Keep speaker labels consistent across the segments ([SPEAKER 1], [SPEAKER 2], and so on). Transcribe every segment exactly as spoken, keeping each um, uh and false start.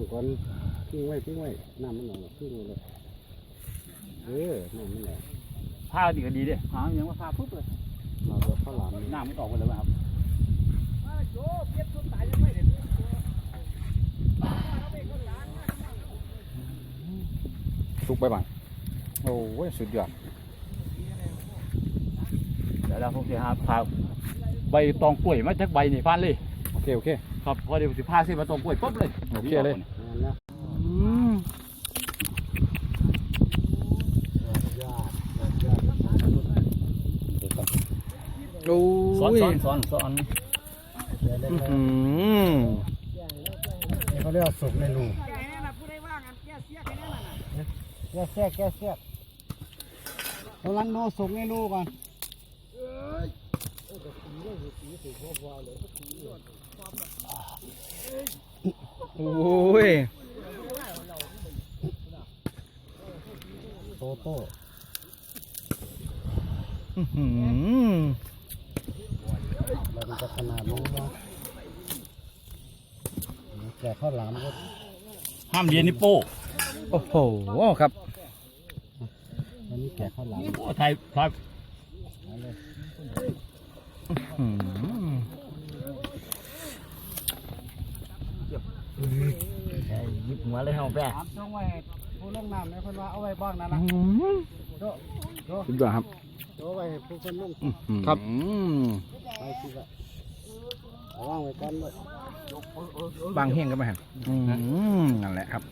[SPEAKER 1] ำก่อนทิ้งไว้ทิ้งไว้น้ำมันออกทิ้งไว้เลยเออน้ำมันออก
[SPEAKER 2] ผ้าดีก็ดีเด้หาอย่างว่าผ้าปุ๊บเลย
[SPEAKER 1] เราจะข้าวหลาม
[SPEAKER 2] น้ำมันออกไปเลยครับสุกไปบ้างโอ้ยสุดยอดเดี๋ยวเราคงจะหาผ้าใบตองกล้วยมาจากใบนี่ฟานเลย
[SPEAKER 1] โอเคโอเค
[SPEAKER 2] ครับพอเดี๋ยวสิผ้าเส้นมาตองกล้วยปุ๊บเลย
[SPEAKER 1] โอเคเลย
[SPEAKER 2] สอนสอนสอนสอน
[SPEAKER 1] เขาเรียกสุกในรูแก่เสียแก่เสียกำลังโน้สุกในรูก่อน
[SPEAKER 2] โอ้ย
[SPEAKER 1] โตโต้มันจะขนาดนี้นะแก่ข้าวหลามก็
[SPEAKER 2] ห้ามเรียนนิโป้
[SPEAKER 1] โอ้โหครับอันนี้แก่ข้าวหลาม
[SPEAKER 2] โอ้ไทยไทยหยิบหัวเลยเหรอแป๊ะ
[SPEAKER 1] ช่องไว้ผู้ลงน้ำเนี่ยคนว่าเอาไว้บ้างนะนะโจ้โจ้
[SPEAKER 2] สุดยอดครับ
[SPEAKER 1] โจ้ไว้ผู้คนลง
[SPEAKER 2] ครับ
[SPEAKER 1] ไปสิละว่างไว้กันเลย
[SPEAKER 2] บางเฮงก็ไม่หันนั่นแหละครับ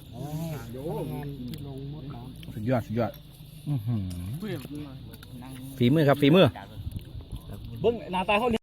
[SPEAKER 2] สุดยอดสุดยอดฝีมือครับฝีมือเบิ้งหน้าตาเขา